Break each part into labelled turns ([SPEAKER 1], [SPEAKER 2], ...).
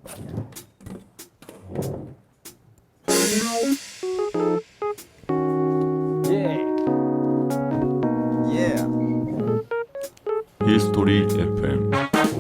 [SPEAKER 1] 히스토리 FM.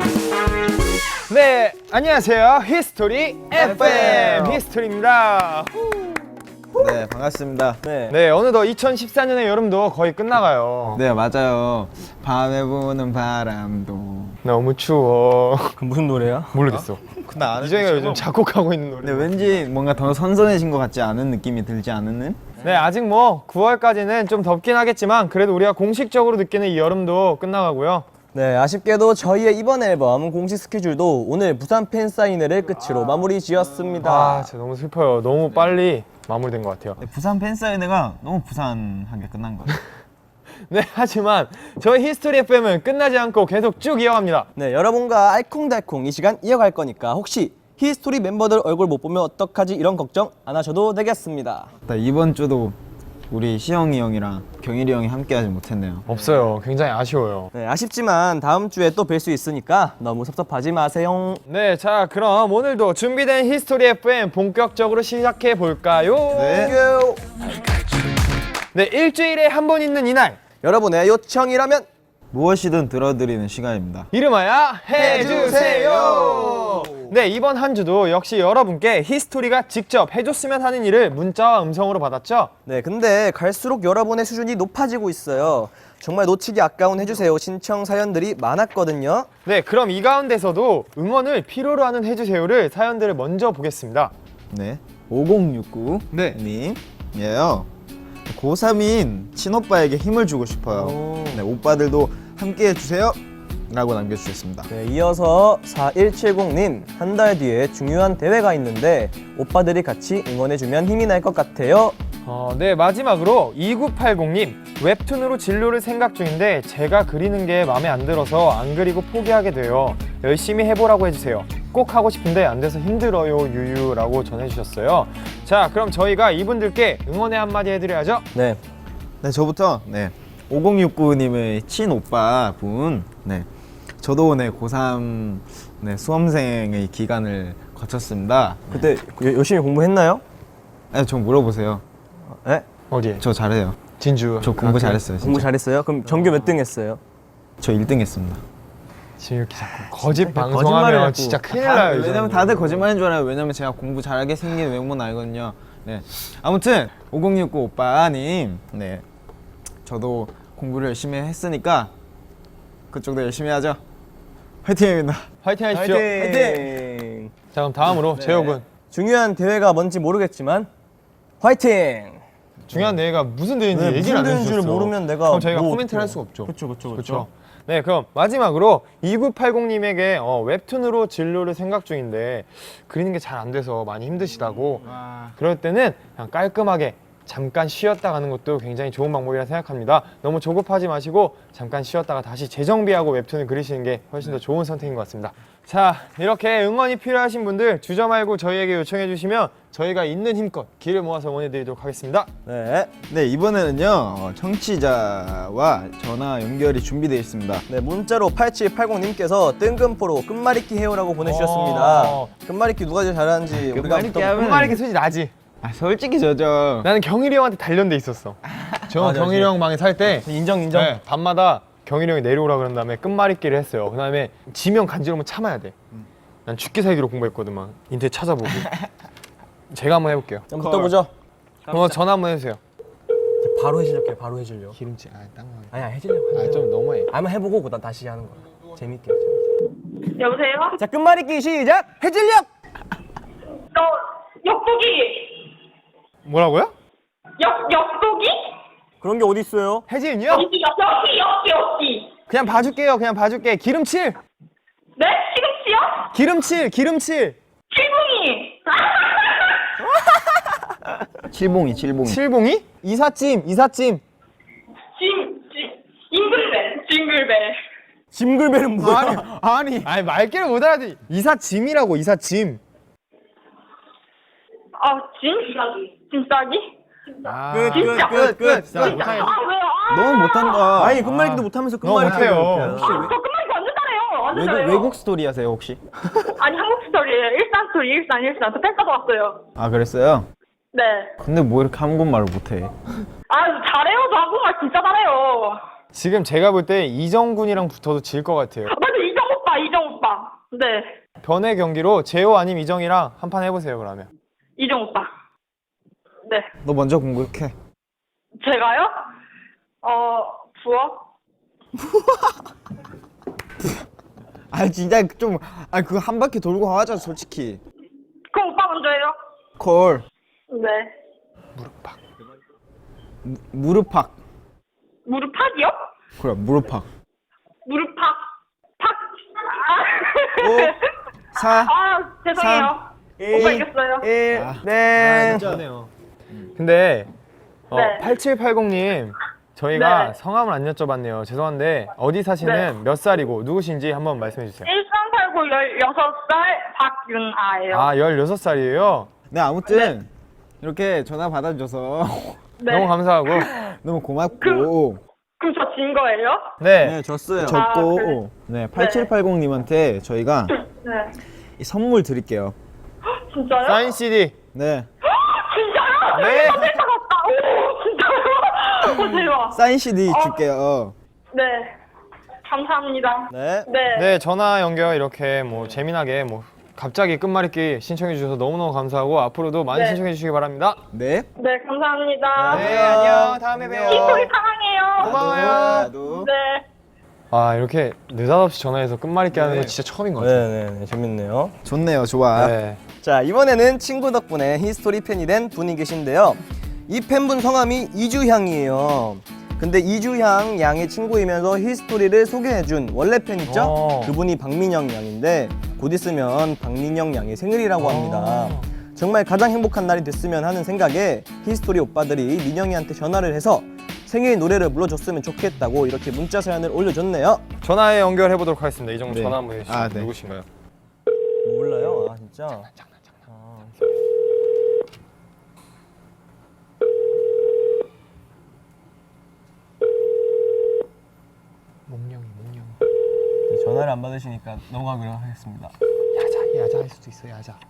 [SPEAKER 2] 네, 안녕하세요. 히스토리 FM 히스토리입니다.
[SPEAKER 3] 네, 반갑습니다.
[SPEAKER 2] 네, 어느덧 2014년의 여름도 거의 끝나가요.
[SPEAKER 3] 네, 맞아요. 밤에 부는 바람도.
[SPEAKER 2] 너무 추워.
[SPEAKER 4] 그 무슨 노래야?
[SPEAKER 2] 모르겠어.
[SPEAKER 3] 근데 아는
[SPEAKER 2] 이정이가 요즘 작곡하고 있는 노래.
[SPEAKER 3] 네, 왠지 뭔가 더 선선해진 것 같지 않은 느낌이 들지 않는?
[SPEAKER 2] 네, 아직 뭐 9월까지는 좀 덥긴 하겠지만 그래도 우리가 공식적으로 느끼는 이 여름도 끝나가고요.
[SPEAKER 4] 네, 아쉽게도 저희의 이번 앨범 공식 스케줄도 오늘 부산 팬사인회를 끝으로 마무리 지었습니다.
[SPEAKER 2] 아, 진짜 너무 슬퍼요. 너무 빨리 마무리된 것 같아요.
[SPEAKER 3] 네, 부산 팬사인회가 너무 부산하게 끝난 것 같아요.
[SPEAKER 2] 네, 하지만 저희 히스토리 FM은 끝나지 않고 계속 쭉 이어갑니다.
[SPEAKER 4] 네, 여러분과 알콩달콩 이 시간 이어갈 거니까 혹시 히스토리 멤버들 얼굴 못 보면 어떡하지 이런 걱정 안 하셔도 되겠습니다.
[SPEAKER 3] 이번 주도 우리 시영이 형이랑 경일이 형이 함께하지 못했네요.
[SPEAKER 2] 없어요. 굉장히 아쉬워요.
[SPEAKER 4] 네, 아쉽지만 다음 주에 또 뵐 수 있으니까 너무 섭섭하지 마세요.
[SPEAKER 2] 네, 자 그럼 오늘도 준비된 히스토리 FM 본격적으로 시작해 볼까요?
[SPEAKER 3] 네.
[SPEAKER 2] 네, 일주일에 한 번 있는 이날,
[SPEAKER 4] 여러분의 요청이라면
[SPEAKER 3] 무엇이든 들어드리는 시간입니다.
[SPEAKER 2] 이름하여 해주세요. 네, 이번 한 주도 역시 여러분께 히스토리가 직접 해줬으면 하는 일을 문자와 음성으로 받았죠.
[SPEAKER 4] 네, 근데 갈수록 여러분의 수준이 높아지고 있어요. 정말 놓치기 아까운 해주세요 신청 사연들이 많았거든요.
[SPEAKER 2] 네, 그럼 이 가운데서도 응원을 필요로 하는 해주세요를 사연들을 먼저 보겠습니다.
[SPEAKER 3] 네, 5069
[SPEAKER 2] 네.
[SPEAKER 3] 님이에요. 고3인 친오빠에게 힘을 주고 싶어요. 네, 오빠들도 함께 해주세요 라고 남겨주셨습니다.
[SPEAKER 4] 네, 이어서 4170님, 한 달 뒤에 중요한 대회가 있는데 오빠들이 같이 응원해주면 힘이 날 것 같아요.
[SPEAKER 2] 네, 마지막으로 2980님, 웹툰으로 진로를 생각 중인데 제가 그리는 게 마음에 안 들어서 안 그리고 포기하게 돼요. 열심히 해보라고 해주세요. 꼭 하고 싶은데 안 돼서 힘들어요 유유라고 전해주셨어요. 자, 그럼 저희가 이분들께 응원의 한마디 해드려야죠.
[SPEAKER 4] 네,
[SPEAKER 3] 네, 저부터 5069님의 친오빠 분. 네, 저도 고3 수험생의 기간을 거쳤습니다.
[SPEAKER 4] 그때 열심히 공부했나요?
[SPEAKER 3] 네, 저 물어보세요.
[SPEAKER 4] 네?
[SPEAKER 2] 어디에?
[SPEAKER 3] 저 잘해요.
[SPEAKER 2] 진주.
[SPEAKER 3] 저 공부 잘했어요. 진짜.
[SPEAKER 4] 공부 잘했어요? 그럼 전교 몇 등 했어요?
[SPEAKER 3] 저 1등 했습니다.
[SPEAKER 2] 지금 이렇게 자꾸 거짓
[SPEAKER 4] 거짓말을
[SPEAKER 2] 방송하면
[SPEAKER 4] 자꾸.
[SPEAKER 2] 진짜 큰일 나요.
[SPEAKER 3] 왜냐면 다들 거짓말인 줄 알아요. 왜냐면 제가 공부 잘하게 생긴 외모는 알거든요. 네, 아무튼 5069 오빠님, 네, 저도 공부를 열심히 했으니까 그쪽도 열심히 하죠. 화이팅입니다.
[SPEAKER 2] 화이팅 하십시오.
[SPEAKER 4] 화이팅!
[SPEAKER 2] 자, 그럼 다음으로 재혁군.
[SPEAKER 4] 중요한 대회가 뭔지 모르겠지만 화이팅!
[SPEAKER 2] 중요한 대회가 무슨 대회인지
[SPEAKER 4] 네,
[SPEAKER 2] 얘기를 안
[SPEAKER 4] 무슨 대회인지를
[SPEAKER 2] 해주셨어.
[SPEAKER 4] 모르면 내가
[SPEAKER 2] 그럼 저희가
[SPEAKER 4] 뭐
[SPEAKER 2] 코멘트를
[SPEAKER 4] 어떡해요.
[SPEAKER 2] 할 수가 없죠.
[SPEAKER 4] 그렇죠.
[SPEAKER 2] 그렇죠. 네, 그럼 마지막으로 2980님에게 웹툰으로 진로를 생각 중인데 그리는 게 잘 안 돼서 많이 힘드시다고. 그럴 때는 그냥 깔끔하게 잠깐 쉬었다 가는 것도 굉장히 좋은 방법이라 생각합니다. 너무 조급하지 마시고 잠깐 쉬었다가 다시 재정비하고 웹툰을 그리시는 게 훨씬 더 좋은 선택인 것 같습니다. 자, 이렇게 응원이 필요하신 분들 주저 말고 저희에게 요청해 주시면 저희가 있는 힘껏 길을 모아서 응원해 드리도록 하겠습니다.
[SPEAKER 4] 네.
[SPEAKER 3] 네, 이번에는요 청취자와 전화 연결이 준비되어 있습니다.
[SPEAKER 4] 네, 문자로 8780님께서 뜬금포로 끝말잇기 해요라고 보내주셨습니다. 끝말잇기 누가 제일 잘하는지 우리가
[SPEAKER 3] 끝말잇기 하면-
[SPEAKER 2] 끝말잇기 솔직히 나지.
[SPEAKER 3] 솔직히 저죠.
[SPEAKER 2] 나는 경일이 형한테 단련돼 있었어. 저
[SPEAKER 4] 맞아,
[SPEAKER 2] 경일이 형 방에 살 때
[SPEAKER 4] 인정.
[SPEAKER 2] 네, 밤마다 경일이 형이 내려오라 그런 다음에 끝말잇기를 했어요. 그 다음에 지면 간지러우면 참아야 돼. 난 죽기 살기로 공부했거든만. 인터넷 찾아보고. 제가 한번 해볼게요.
[SPEAKER 4] 한번 붙어보죠.
[SPEAKER 2] 전화 한번 해주세요.
[SPEAKER 4] 바로 해주려게 바로 해주려.
[SPEAKER 2] 기름칠. 땅만.
[SPEAKER 4] 아니야 해주려고.
[SPEAKER 2] 좀 너무해.
[SPEAKER 4] 한번 해보고 그다음 다시 하는 거야. 재밌게.
[SPEAKER 5] 여보세요?
[SPEAKER 4] 자 끝말잇기 시작. 해질녘.
[SPEAKER 5] 너 역도기
[SPEAKER 2] 뭐라고요?
[SPEAKER 5] 역도기?
[SPEAKER 4] 그런 게 어디 있어요?
[SPEAKER 2] 혜진이요?
[SPEAKER 5] 역기
[SPEAKER 2] 그냥 봐줄게요. 그냥 봐줄게. 기름칠.
[SPEAKER 5] 네? 시금치요?
[SPEAKER 2] 기름칠.
[SPEAKER 5] 칠붕이
[SPEAKER 3] 칠봉이.
[SPEAKER 2] 칠봉이? 이삿짐.
[SPEAKER 5] 징글벨
[SPEAKER 4] 짐글벨은 뭐야?
[SPEAKER 2] 아니 말귀를 못 알아듣. 이삿짐이라고 이삿짐.
[SPEAKER 5] 짐싸기?
[SPEAKER 4] 끝.
[SPEAKER 5] 아 왜요?
[SPEAKER 3] 너무 못한다.
[SPEAKER 4] 아니 끝말잇기도 못하면서
[SPEAKER 2] 너무
[SPEAKER 4] 끝말잇기.
[SPEAKER 2] 못해요.
[SPEAKER 5] 저 끝말잇기 완전 잘해요. 완전 잘해요.
[SPEAKER 3] 외국 스토리 하세요 혹시?
[SPEAKER 5] 아니, 한국 스토리예요. 일산 스토리, 일산. 저 펜사도 왔어요.
[SPEAKER 3] 아 그랬어요?
[SPEAKER 5] 네.
[SPEAKER 3] 근데 뭐 이렇게 한국말을 못해?
[SPEAKER 5] 아, 잘해요. 저 한국말 진짜 잘해요.
[SPEAKER 2] 지금 제가 볼 때 이정군이랑 붙어도 질 것 같아요.
[SPEAKER 5] 맞아, 이정 오빠. 네.
[SPEAKER 2] 변의 경기로 재호 아님 이정이랑 한 판 해보세요 그러면.
[SPEAKER 5] 이정 오빠. 네.
[SPEAKER 3] 너 먼저 공격해.
[SPEAKER 5] 제가요? 부엌?
[SPEAKER 3] 아 진짜 좀 그거 한 바퀴 돌고 하자 솔직히.
[SPEAKER 5] 그럼 오빠 먼저 해요.
[SPEAKER 3] 콜.
[SPEAKER 5] 네.
[SPEAKER 3] 무릎팍.
[SPEAKER 5] 무릎팍이요?
[SPEAKER 3] 그래 무릎팍.
[SPEAKER 5] 무릎팍. 팍.
[SPEAKER 3] 4
[SPEAKER 5] 아, 죄송해요. 오빠 이겼어요.
[SPEAKER 3] 1
[SPEAKER 2] 네.
[SPEAKER 3] 진짜네요.
[SPEAKER 2] 근데
[SPEAKER 5] 네.
[SPEAKER 2] 8780님 저희가
[SPEAKER 5] 네.
[SPEAKER 2] 성함을 안 여쭤봤네요. 죄송한데 어디 사시는 몇 살이고 누구신지 한번 말씀해 주세요.
[SPEAKER 5] 일산 살고 16살 박윤아예요.
[SPEAKER 2] 아 16살이에요?
[SPEAKER 3] 네 아무튼 이렇게 전화 받아줘서
[SPEAKER 5] 네.
[SPEAKER 2] 너무 감사하고
[SPEAKER 3] 너무 고맙고.
[SPEAKER 5] 그럼 저 진 거예요?
[SPEAKER 2] 네,
[SPEAKER 3] 네 졌어요.
[SPEAKER 5] 아,
[SPEAKER 3] 졌고
[SPEAKER 5] 그래.
[SPEAKER 3] 네 8780님한테 저희가
[SPEAKER 5] 네.
[SPEAKER 3] 이 선물 드릴게요.
[SPEAKER 5] 진짜요?
[SPEAKER 2] 사인 CD.
[SPEAKER 3] 네
[SPEAKER 5] 진짜요?
[SPEAKER 2] 네.
[SPEAKER 5] 펜사 같다. 오, 진짜요? 오, 대박.
[SPEAKER 3] 사인 CD 줄게요.
[SPEAKER 5] 네. 감사합니다.
[SPEAKER 4] 네.
[SPEAKER 5] 네.
[SPEAKER 2] 네, 전화 연결 이렇게 뭐 재미나게 뭐 갑자기 끝말잇기 신청해 주셔서 너무너무 감사하고 앞으로도 많이
[SPEAKER 5] 네.
[SPEAKER 2] 신청해 주시기 바랍니다.
[SPEAKER 3] 네.
[SPEAKER 5] 네, 감사합니다.
[SPEAKER 2] 네, 안녕. 다음에
[SPEAKER 5] 이
[SPEAKER 2] 봬요.
[SPEAKER 5] 소리 사랑해요.
[SPEAKER 2] 고마워요.
[SPEAKER 3] 나도.
[SPEAKER 5] 네.
[SPEAKER 2] 아, 이렇게 느닷없이 전화해서 끝말잇기 하는 거 진짜 처음인 것 같아요.
[SPEAKER 4] 네네네 재밌네요.
[SPEAKER 3] 좋네요. 좋아.
[SPEAKER 2] 네.
[SPEAKER 4] 자 이번에는 친구 덕분에 히스토리 팬이 된 분이 계신데요. 이 팬분 성함이 이주향이에요. 근데 이주향 양의 친구이면서 히스토리를 소개해준 원래 팬 있죠? 그분이 박민영 양인데 곧 있으면 박민영 양의 생일이라고 합니다. 정말 가장 행복한 날이 됐으면 하는 생각에 히스토리 오빠들이 민영이한테 전화를 해서 생일 노래를 불러줬으면 좋겠다고 이렇게 문자 사연을 올려줬네요.
[SPEAKER 2] 전화에 연결해 보도록 하겠습니다. 이 정도
[SPEAKER 3] 네.
[SPEAKER 2] 전화 한번 해주시죠.
[SPEAKER 3] 아, 네.
[SPEAKER 2] 누구신가요?
[SPEAKER 4] 몰라요? 아 진짜?
[SPEAKER 2] 몽룡이.
[SPEAKER 4] 네, 전화를 안 받으시니까 넘어가기로 하겠습니다.
[SPEAKER 2] 야자 할 수도 있어. 야자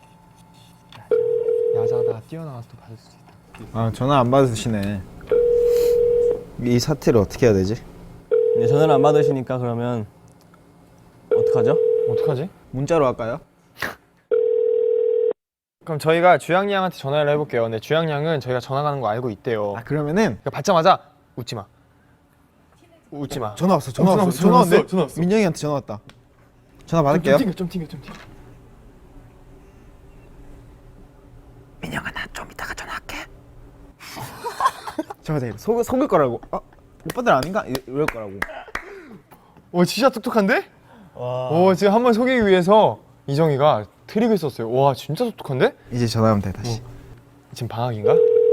[SPEAKER 2] 하다가 뛰어나가서 또 받을 수도 있다.
[SPEAKER 3] 아 전화 안 받으시네. 이 사태를 어떻게 해야 되지?
[SPEAKER 4] 네, 전화를 안 받으시니까 그러면 어떡하죠?
[SPEAKER 2] 어떡하지?
[SPEAKER 3] 문자로 할까요?
[SPEAKER 2] 그럼 저희가 주양 양한테 전화를 해볼게요. 근데 주양 양은 저희가 전화 가는 거 알고 있대요.
[SPEAKER 3] 아 그러면은
[SPEAKER 2] 그러니까 받자마자 웃지 마. 웃지 마.
[SPEAKER 3] 전화 왔어.
[SPEAKER 2] 전화 왔어.
[SPEAKER 3] 민영이한테 전화 왔다. 전화 받을게요.
[SPEAKER 2] 좀 튕겨.
[SPEAKER 3] 민영아 나 좀 이따가 전화할게. 잠깐만 속을 거라고. 오빠들 아닌가? 이럴 거라고.
[SPEAKER 2] 오, 진짜 똑똑한데?
[SPEAKER 4] 와.
[SPEAKER 2] 오, 지금 한 번 속이기 위해서 이정이가 트릭을 썼어요. 와, 진짜 똑똑한데?
[SPEAKER 3] 이제 전화하면 돼 다시.
[SPEAKER 2] 지금 방학인가?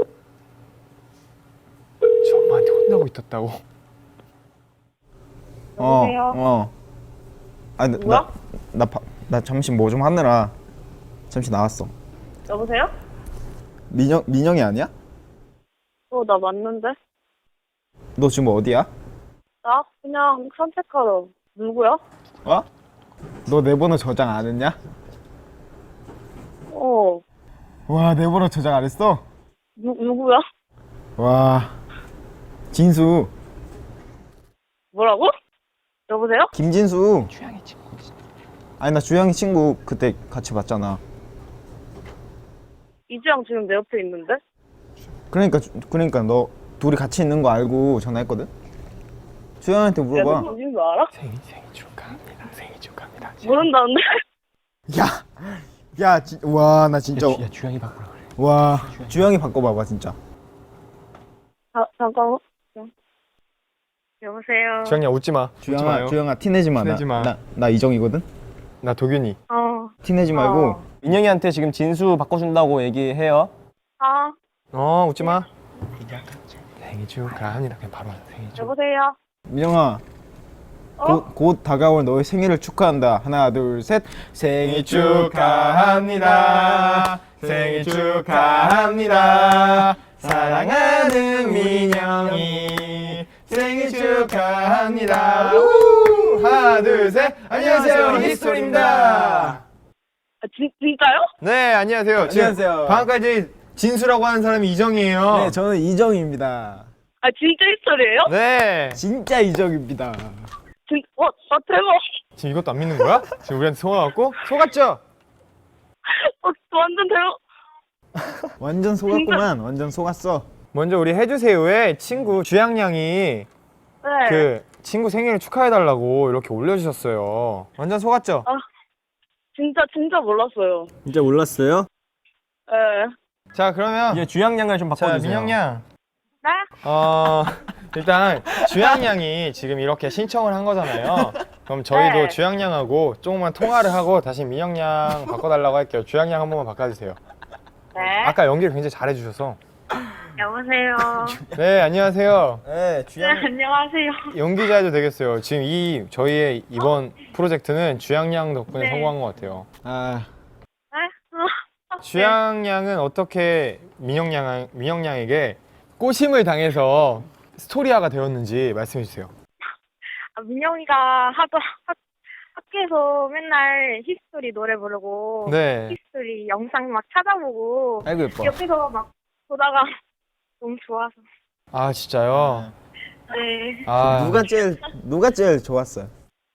[SPEAKER 2] 저 엄마한테 혼나고 있었다고.
[SPEAKER 5] 여보세요?
[SPEAKER 3] 아니
[SPEAKER 5] 뭐야?
[SPEAKER 3] 나 잠시 뭐 좀 하느라 잠시 나왔어.
[SPEAKER 5] 여보세요?
[SPEAKER 3] 민영이 아니야?
[SPEAKER 5] 나 맞는데?
[SPEAKER 3] 너 지금 어디야?
[SPEAKER 5] 나 그냥 산책하러. 누구야?
[SPEAKER 3] 어? 너 내 번호 저장 안 했냐? 와, 내 번호 저장 안 했어?
[SPEAKER 5] 누구야?
[SPEAKER 3] 와, 진수.
[SPEAKER 5] 뭐라고? 여보세요?
[SPEAKER 3] 김진수. 주영이 친구. 아니 나 주영이 친구 그때 같이 봤잖아.
[SPEAKER 5] 이주영 지금 내 옆에 있는데?
[SPEAKER 3] 그러니까 너 둘이 같이 있는 거 알고 전화했거든. 주영이한테 물어봐.
[SPEAKER 5] 누군지 알아?
[SPEAKER 2] 생일 축하합니다. 생일 축하합니다.
[SPEAKER 5] 모른다는데?
[SPEAKER 3] 와, 나 진짜.
[SPEAKER 2] 야, 주영이 바꾸라 그래.
[SPEAKER 3] 와, 주영이 바꿔봐봐 진짜.
[SPEAKER 5] 잠깐만. 여보세요?
[SPEAKER 2] 주영이야, 웃지 마. 웃지 마요.
[SPEAKER 3] 주영아 티내지 마.
[SPEAKER 2] 티내지 마.
[SPEAKER 3] 나 이정이거든.
[SPEAKER 2] 나 도균이.
[SPEAKER 3] 티내지 말고.
[SPEAKER 4] 민영이한테 지금 진수 바꿔준다고 얘기해요.
[SPEAKER 2] 웃지 마. 생일 축하합니다. 그냥 바로 하자. 생일 축하.
[SPEAKER 5] 여보세요?
[SPEAKER 3] 민영아. 곧 다가올 너의 생일을 축하한다. 하나, 둘, 셋. 생일 축하합니다. 생일 축하합니다. 사랑하는 민영이 생일 축하합니다. 하나,
[SPEAKER 2] 하나, 둘, 셋. 안녕하세요, 히스토리입니다.
[SPEAKER 5] 진짜요?
[SPEAKER 2] 네, 안녕하세요. 지금
[SPEAKER 3] 안녕하세요.
[SPEAKER 2] 방금까지 진수라고 하는 사람이 이정이에요.
[SPEAKER 3] 네, 저는 이정입니다.
[SPEAKER 5] 아, 진짜 히스토리예요?
[SPEAKER 2] 네.
[SPEAKER 3] 진짜 이정입니다.
[SPEAKER 5] 대박.
[SPEAKER 2] 지금 이것도 안 믿는 거야? 지금 우리한테 속아갖고? 속았죠?
[SPEAKER 5] 완전 대박.
[SPEAKER 3] 완전 속았구만. 완전 속았어.
[SPEAKER 2] 먼저 우리 해주세요의 친구 주양양이
[SPEAKER 5] 네.
[SPEAKER 2] 그 친구 생일을 축하해달라고 이렇게 올려주셨어요. 완전 속았죠?
[SPEAKER 5] 진짜 몰랐어요.
[SPEAKER 3] 진짜 몰랐어요?
[SPEAKER 5] 네.
[SPEAKER 2] 자, 그러면
[SPEAKER 3] 이제 주양양을 좀
[SPEAKER 2] 자,
[SPEAKER 3] 바꿔주세요.
[SPEAKER 2] 민영양.
[SPEAKER 5] 네?
[SPEAKER 2] 일단 주양양이 지금 이렇게 신청을 한 거잖아요. 그럼 저희도
[SPEAKER 5] 네.
[SPEAKER 2] 주양양하고 조금만 통화를 하고 다시 민영양 바꿔달라고 할게요. 주양양 한 번만 바꿔주세요.
[SPEAKER 5] 네.
[SPEAKER 2] 아까 연기를 굉장히 잘해주셔서.
[SPEAKER 5] 여보세요.
[SPEAKER 2] 네, 안녕하세요.
[SPEAKER 3] 네,
[SPEAKER 5] 네, 안녕하세요.
[SPEAKER 2] 연기자 해도 되겠어요. 지금 저희의 이번 프로젝트는 주양양 덕분에
[SPEAKER 5] 네.
[SPEAKER 2] 성공한 것 같아요.
[SPEAKER 3] 아,
[SPEAKER 5] 네?
[SPEAKER 2] 주양양은 어떻게 민영양에게 꼬심을 당해서 스토리아가 되었는지 말씀해 주세요.
[SPEAKER 5] 민영이가 학교에서 맨날 히스토리 노래 부르고
[SPEAKER 2] 네.
[SPEAKER 5] 히스토리 영상 막 찾아보고
[SPEAKER 3] 아이고 예뻐.
[SPEAKER 5] 옆에서 막 보다가 너무 좋아서.
[SPEAKER 2] 아, 진짜요?
[SPEAKER 5] 네.
[SPEAKER 2] 아,
[SPEAKER 3] 누가 제일 좋았어요?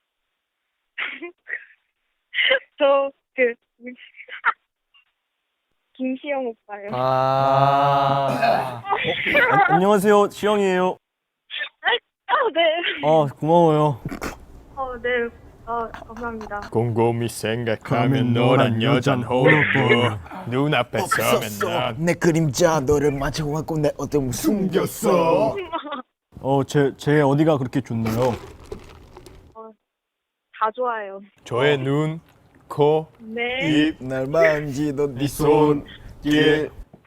[SPEAKER 5] 김시영 오빠요.
[SPEAKER 2] 아.
[SPEAKER 4] 안녕하세요, 시영이에요.
[SPEAKER 5] 네.
[SPEAKER 4] 고마워요.
[SPEAKER 5] 네. 감사합니다.
[SPEAKER 2] 곰곰이 생각하면 너란 여잔 호로보 눈앞에 서면 난
[SPEAKER 3] 내 그림자 너를 맞춰갖고 내 어둠을 숨겼어.
[SPEAKER 4] 제 어디가 그렇게 좋나요?
[SPEAKER 5] 다 좋아요.
[SPEAKER 2] 저의 눈, 코,
[SPEAKER 5] 네.
[SPEAKER 2] 입.
[SPEAKER 3] 날 만지던 네 손길.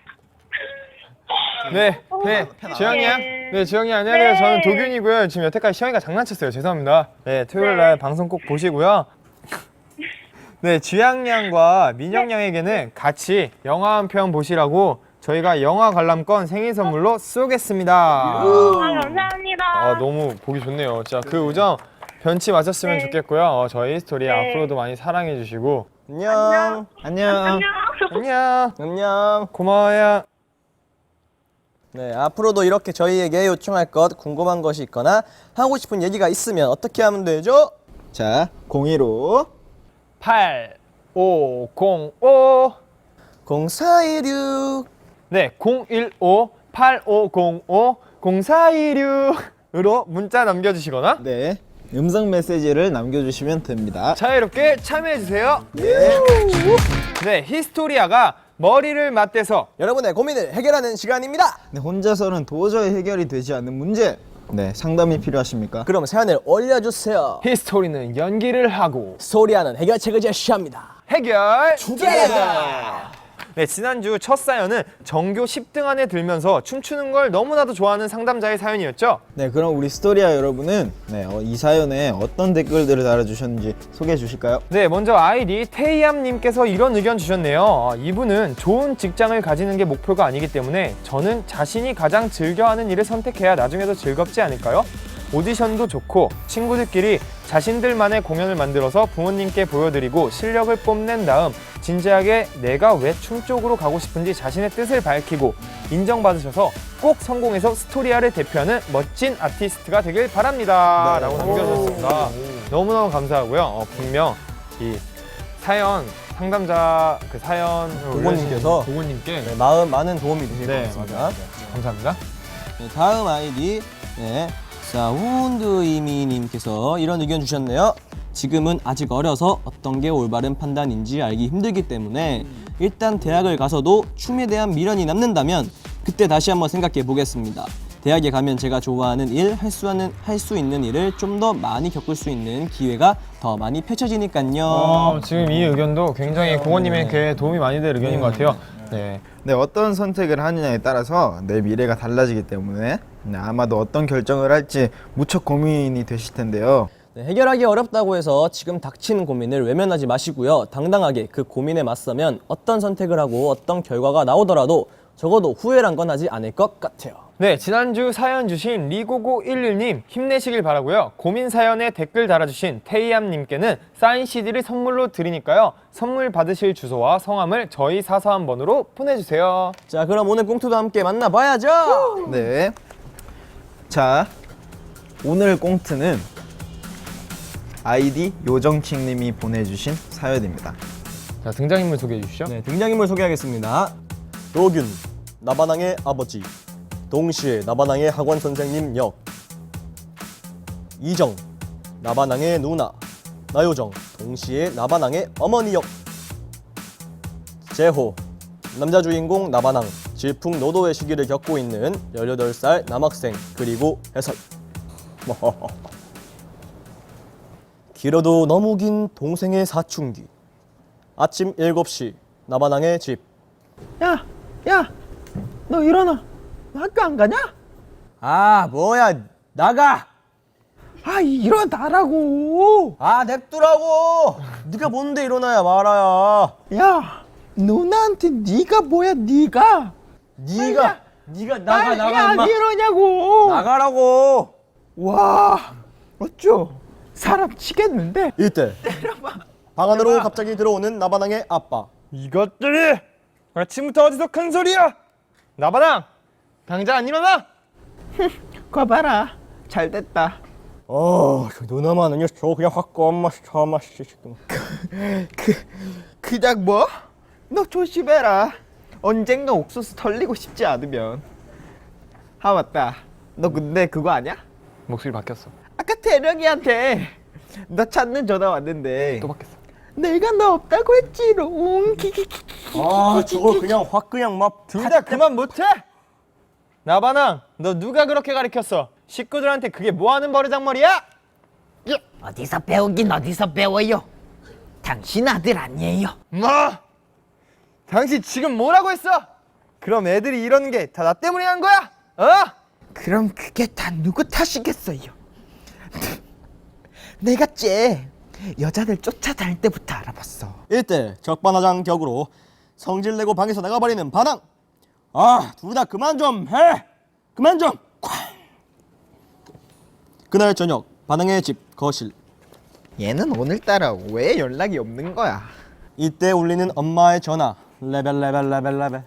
[SPEAKER 2] 네, 주영이야. 네, 주영이 안녕하세요.
[SPEAKER 5] 네.
[SPEAKER 2] 저는 도균이고요. 지금 여태까지 시영이가 장난쳤어요. 죄송합니다. 네, 토요일 날 방송 꼭 보시고요. 네, 주양양과 민영양에게는 같이 영화 한 편 보시라고 저희가 영화 관람권 생일 선물로 쏘겠습니다.
[SPEAKER 5] 감사합니다.
[SPEAKER 2] 너무 보기 좋네요. 진짜 그 우정 변치 마셨으면
[SPEAKER 5] 네.
[SPEAKER 2] 좋겠고요. 저희 스토리
[SPEAKER 5] 네.
[SPEAKER 2] 앞으로도 많이 사랑해 주시고
[SPEAKER 4] 안녕.
[SPEAKER 3] 안녕.
[SPEAKER 2] 안녕.
[SPEAKER 4] 안녕.
[SPEAKER 2] 고마워요.
[SPEAKER 4] 네, 앞으로도 이렇게 저희에게 요청할 것, 궁금한 것이 있거나 하고 싶은 얘기가 있으면 어떻게 하면 되죠?
[SPEAKER 3] 자, 015
[SPEAKER 2] 8505
[SPEAKER 4] 0416
[SPEAKER 2] 네, 015-8505-0426으로 문자 남겨주시거나
[SPEAKER 3] 네, 음성 메시지를 남겨주시면 됩니다.
[SPEAKER 2] 자유롭게 참여해주세요. 네, 히스토리아가 머리를 맞대서
[SPEAKER 4] 여러분의 고민을 해결하는 시간입니다.
[SPEAKER 3] 네, 혼자서는 도저히 해결이 되지 않는 문제. 네, 상담이 필요하십니까?
[SPEAKER 4] 그럼 사연을 올려주세요.
[SPEAKER 2] 히스토리는 연기를 하고
[SPEAKER 4] 소리하는 해결책을 제시합니다.
[SPEAKER 2] 해결
[SPEAKER 4] 투게더!
[SPEAKER 2] 네, 지난주 첫 사연은 전교 10등 안에 들면서 춤추는 걸 너무나도 좋아하는 상담자의 사연이었죠.
[SPEAKER 3] 네, 그럼 우리 스토리아 여러분은 이 사연에 어떤 댓글들을 달아주셨는지 소개해 주실까요?
[SPEAKER 2] 네, 먼저 아이디 테이암님께서 이런 의견 주셨네요. 이분은 좋은 직장을 가지는 게 목표가 아니기 때문에 저는 자신이 가장 즐겨하는 일을 선택해야 나중에도 즐겁지 않을까요? 오디션도 좋고 친구들끼리 자신들만의 공연을 만들어서 부모님께 보여드리고 실력을 뽐낸 다음 진지하게 내가 왜 춤 쪽으로 가고 싶은지 자신의 뜻을 밝히고 인정받으셔서 꼭 성공해서 스토리아를 대표하는 멋진 아티스트가 되길 바랍니다. 라고 남겨주셨습니다. 너무너무 감사하고요. 분명 이 사연 상담자 그 사연
[SPEAKER 4] 고고님께서
[SPEAKER 2] 고고님께
[SPEAKER 4] 네, 많은 도움이 되실 것 같습니다.
[SPEAKER 2] 맞아요. 감사합니다.
[SPEAKER 4] 네, 다음 아이디 사운드이미님께서 이런 의견 주셨네요. 지금은 아직 어려서 어떤 게 올바른 판단인지 알기 힘들기 때문에 일단 대학을 가서도 춤에 대한 미련이 남는다면 그때 다시 한번 생각해 보겠습니다. 대학에 가면 제가 좋아하는 일, 할 수 있는 일을 좀 더 많이 겪을 수 있는 기회가 더 많이 펼쳐지니까요.
[SPEAKER 2] 지금 이 의견도 굉장히 고고님에게 도움이 많이 될 의견인 것 같아요. 네.
[SPEAKER 3] 네, 어떤 선택을 하느냐에 따라서 내 미래가 달라지기 때문에 아마도 어떤 결정을 할지 무척 고민이 되실 텐데요.
[SPEAKER 4] 네, 해결하기 어렵다고 해서 지금 닥치는 고민을 외면하지 마시고요. 당당하게 그 고민에 맞서면 어떤 선택을 하고 어떤 결과가 나오더라도 적어도 후회란 건 하지 않을 것 같아요.
[SPEAKER 2] 네, 지난주 사연 주신 리고고11님 힘내시길 바라고요. 고민 사연에 댓글 달아주신 테이암님께는 사인 CD를 선물로 드리니까요. 선물 받으실 주소와 성함을 저희 사서한번으로 보내주세요.
[SPEAKER 4] 자, 그럼 오늘 꽁트도 함께 만나봐야죠.
[SPEAKER 3] 네. 자, 오늘 꽁트는 아이디 요정킹님이 보내주신 사연입니다.
[SPEAKER 2] 자, 등장인물 소개해 주시죠.
[SPEAKER 4] 네, 등장인물 소개하겠습니다. 도균, 나바낭의 아버지, 동시에 나바낭의 학원 선생님 역. 이정, 나바낭의 누나, 나요정, 동시에 나바낭의 어머니 역. 재호, 남자 주인공 나바낭, 질풍노도의 시기를 겪고 있는 18살 남학생, 그리고 해설. 길어도 너무 긴 동생의 사춘기. 아침 7시 나바낭의 집.
[SPEAKER 3] 야, 너 일어나. 너 학교 안 가냐?
[SPEAKER 4] 아, 뭐야, 나가.
[SPEAKER 3] 아, 일어나라고.
[SPEAKER 4] 아, 냅두라고. 네가 뭔데 일어나야 말아야.
[SPEAKER 3] 야, 누나한테 네가 뭐야, 네가
[SPEAKER 4] 네가 나가
[SPEAKER 3] 안
[SPEAKER 4] 임마.
[SPEAKER 3] 이러냐고.
[SPEAKER 4] 나가라고.
[SPEAKER 3] 와, 어쩌? 사람 치겠는데?
[SPEAKER 4] 이때 방 안으로 갑자기 들어오는 나바낭의 아빠.
[SPEAKER 2] 이것들이 아침부터 어디서 큰 소리야? 나바랑 당장 안 일어나?
[SPEAKER 3] 거 봐라, 잘 됐다.
[SPEAKER 4] 누나만 아니야. 저 그냥 확 꺼. 엄마
[SPEAKER 3] 그냥 뭐? 너 조심해라. 언젠가 옥수수 털리고 싶지 않으면. 아, 맞다. 너 근데 그거 아냐?
[SPEAKER 2] 목소리 바뀌었어.
[SPEAKER 3] 아까 태령이한테 너 찾는 전화 왔는데
[SPEAKER 2] 또 바뀌었어.
[SPEAKER 3] 내가 너 없다고 했지롱.
[SPEAKER 4] 아, 저걸 그냥 확 그냥 막
[SPEAKER 2] 둘 다 그만 못해? 나바랑 너 누가 그렇게 가르쳤어? 식구들한테 그게 뭐하는 버르장머리야?
[SPEAKER 1] 어디서 배우긴 어디서 배워요? 당신 아들 아니에요.
[SPEAKER 2] 뭐? 당신 지금 뭐라고 했어? 그럼 애들이 이러는 게 다 나 때문에 한 거야? 어?
[SPEAKER 3] 그럼 그게 다 누구 탓이겠어요? 내가 쟤 여자들 쫓아다닐 때부터 알아봤어.
[SPEAKER 4] 이때 적반하장 격으로 성질내고 방에서 나가버리는 반항. 아, 둘 다 그만 좀 해. 그만 좀. 쾅. 그날 저녁 반항의 집 거실.
[SPEAKER 3] 얘는 오늘따라 왜 연락이 없는 거야?
[SPEAKER 4] 이때 울리는 엄마의 전화. 레벨.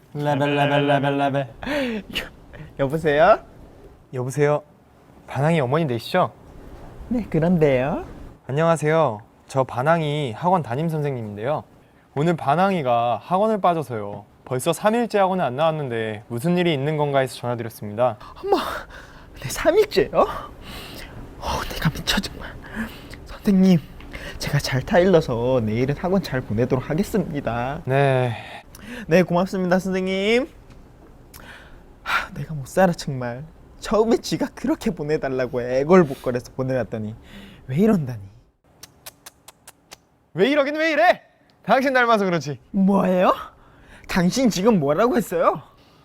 [SPEAKER 3] 여보세요?
[SPEAKER 2] 여보세요. 반항이 어머니 되시죠?
[SPEAKER 3] 네, 그런데요.
[SPEAKER 2] 안녕하세요. 저 반항이 학원 담임 선생님인데요. 오늘 반항이가 학원을 빠져서요. 벌써 3일째 학원에 안 나왔는데 무슨 일이 있는 건가 해서 전화드렸습니다.
[SPEAKER 3] 네, 3일째요? 내가 미쳐 정말. 선생님, 제가 잘 타일러서 내일은 학원 잘 보내도록 하겠습니다.
[SPEAKER 2] 네.
[SPEAKER 3] 네, 고맙습니다, 선생님. 내가 못 살아 정말. 처음에 지가 그렇게 보내달라고 애걸복걸해서 보내놨더니 왜 이런다니.
[SPEAKER 2] 왜 이러긴 왜 이래? 당신 닮아서 그렇지.
[SPEAKER 3] 뭐예요? 당신 지금 뭐라고 했어요?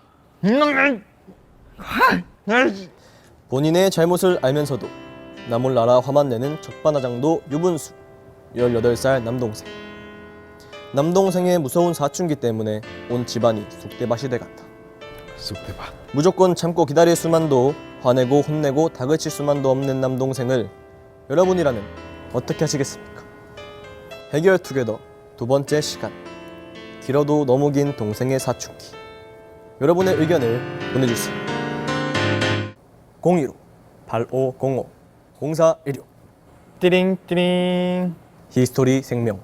[SPEAKER 4] 본인의 잘못을 알면서도 나몰라라 화만 내는 적반하장도 유분수. 18살 남동생. 남동생의 무서운 사춘기 때문에 온 집안이 쑥대밭이 돼갔다.
[SPEAKER 2] 쑥대밭.
[SPEAKER 4] 무조건 참고 기다릴 수만도, 화내고 혼내고 다그칠 수만도 없는 남동생을 여러분이라면 어떻게 하시겠습니까? 해결 투게더 두 번째 시간. 길어도 너무 긴 동생의 사춘기. 여러분의 의견을 보내주세요. 015-8505-0416
[SPEAKER 2] 띠링띠링.
[SPEAKER 4] 히스토리 생명.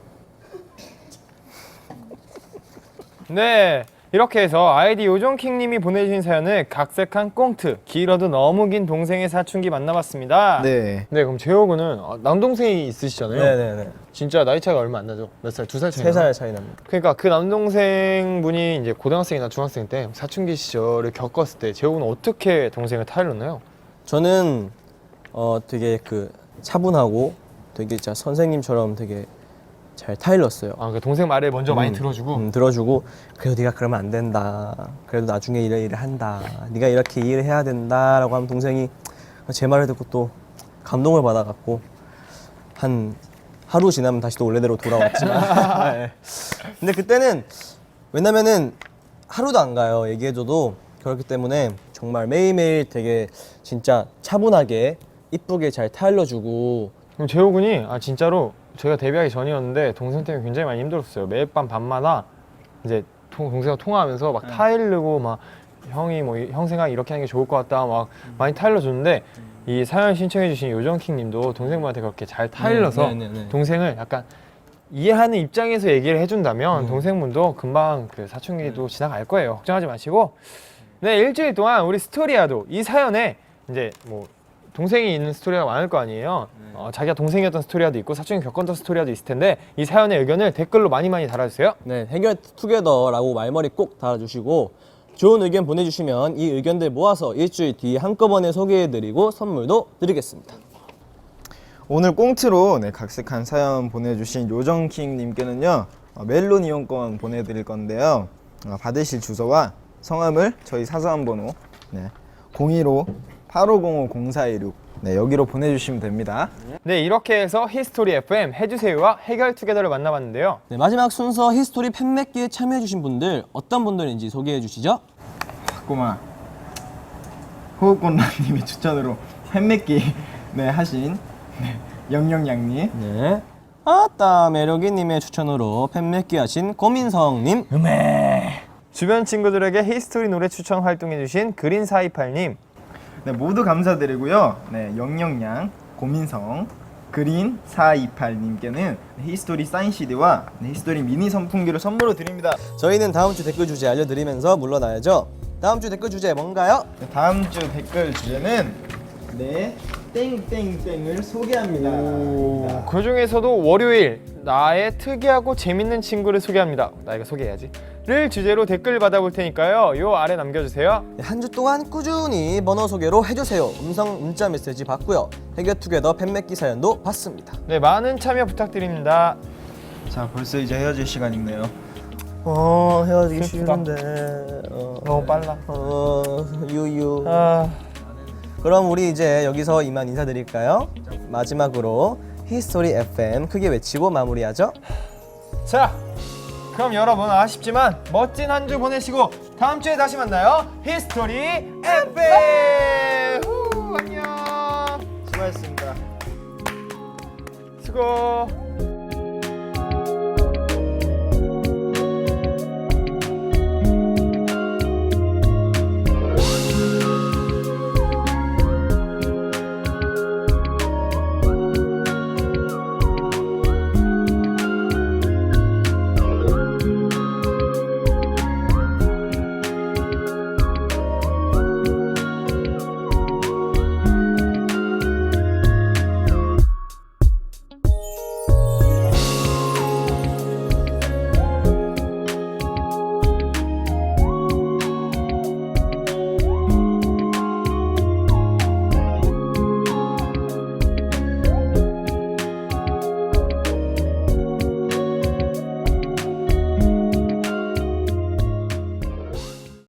[SPEAKER 2] 네, 이렇게 해서 아이디 요정킹님이 보내주신 사연을 각색한 꽁트 길어도 너무 긴 동생의 사춘기 만나봤습니다.
[SPEAKER 3] 네.
[SPEAKER 2] 네, 그럼 재호군은 남동생이 있으시잖아요.
[SPEAKER 4] 네네네.
[SPEAKER 2] 진짜 나이 차이가 얼마 안 나죠? 몇 살? 2살 차이?
[SPEAKER 4] 3살 차이 납니다.
[SPEAKER 2] 그러니까 그 남동생 분이 이제 고등학생이나 중학생 때 사춘기 시절을 겪었을 때 재호군은 어떻게 동생을 타일렀나요?
[SPEAKER 4] 저는 되게 그 차분하고 되게 진짜 선생님처럼 되게 잘 타일렀어요.
[SPEAKER 2] 아, 그 동생 말을 먼저 많이 들어주고.
[SPEAKER 4] 들어주고 그래도 네가 그러면 안 된다. 그래도 나중에 일을 한다. 네가 이렇게 일을 해야 된다라고 하면 동생이 제 말을 듣고 또 감동을 받아갖고 한 하루 지나면 다시 또 원래대로 돌아왔지만 네. 근데 그때는 왜냐면은 하루도 안 가요. 얘기해줘도. 그렇기 때문에 정말 매일매일 되게 진짜 차분하게 이쁘게 잘 타일러주고.
[SPEAKER 2] 그럼 재호 군이 진짜로 제가 데뷔하기 전이었는데 동생 때문에 굉장히 많이 힘들었어요. 매일 밤 밤마다 이제 동생과 통화하면서 막 타일르고 막 형이 뭐 형 생각 이렇게 하는 게 좋을 것 같다 막 많이 타일러 줬는데 이 사연 신청해주신 요정킹님도 동생분한테 그렇게 잘 타일러서 동생을 약간 이해하는 입장에서 얘기를 해준다면 동생분도 금방 그 사춘기도 지나갈 거예요. 걱정하지 마시고. 네, 일주일 동안 우리 스토리아도 이 사연에 이제 뭐 동생이 있는 스토리가 많을 거 아니에요. 자기가 동생이었던 스토리아도 있고 사춘기 겪었던 스토리아도 있을 텐데 이 사연의 의견을 댓글로 많이 달아주세요.
[SPEAKER 4] 네, 해결 투게더라고 말머리 꼭 달아주시고 좋은 의견 보내주시면 이 의견들 모아서 일주일 뒤에 한꺼번에 소개해드리고 선물도 드리겠습니다.
[SPEAKER 3] 오늘 꽁트로 각색한 사연 보내주신 요정킹님께는요 멜론 이용권 보내드릴 건데요. 받으실 주소와 성함을 저희 사소한 번호 015-8505-0416 여기로 보내주시면 됩니다.
[SPEAKER 2] 네, 이렇게 해서 히스토리 FM 해주세요와 해결 투게더를 만나봤는데요.
[SPEAKER 4] 네, 마지막 순서 히스토리 팬맺기에 참여해주신 분들 어떤 분들인지 소개해주시죠.
[SPEAKER 3] 꼬마 호흡곤란님의 추천으로 팬맺기 하신 영영양님,
[SPEAKER 4] 네. 아따 매력이님의 추천으로 팬맺기 하신 고민성님,
[SPEAKER 2] 주변 친구들에게 히스토리 노래 추천 활동해주신 그린428님,
[SPEAKER 3] 모두 감사드리고요. 영영양, 고민성, 그린428님께는 히스토리 사인 CD와 히스토리 미니 선풍기를 선물로 드립니다.
[SPEAKER 4] 저희는 다음 주 댓글 주제 알려드리면서 물러나야죠. 다음 주 댓글 주제 뭔가요?
[SPEAKER 3] 다음 주 댓글 주제는 땡땡땡을 소개합니다.
[SPEAKER 2] 그 중에서도 월요일 나의 특이하고 재밌는 친구를 소개합니다. 나 이거 소개해야지. 를 주제로 댓글 받아볼 테니까요. 요 아래 남겨주세요.
[SPEAKER 4] 네, 한 주 동안 꾸준히 번호 소개로 해주세요. 음성 문자 메시지 받고요. 해결투게더 팬맺기 사연도 받습니다.
[SPEAKER 2] 네, 많은 참여 부탁드립니다.
[SPEAKER 3] 자, 벌써 이제 헤어질 시간이네요.
[SPEAKER 4] 헤어지기
[SPEAKER 2] 슬프다.
[SPEAKER 4] 싫은데.
[SPEAKER 2] 너무 빨라.
[SPEAKER 4] 유유.
[SPEAKER 2] 아,
[SPEAKER 4] 그럼 우리 이제 여기서 이만 인사드릴까요? 마지막으로 히스토리 FM 크게 외치고 마무리하죠.
[SPEAKER 2] 자, 그럼 여러분 아쉽지만 멋진 한 주 보내시고 다음 주에 다시 만나요. 히스토리 FM. 안녕.
[SPEAKER 3] 수고하셨습니다.
[SPEAKER 2] 수고.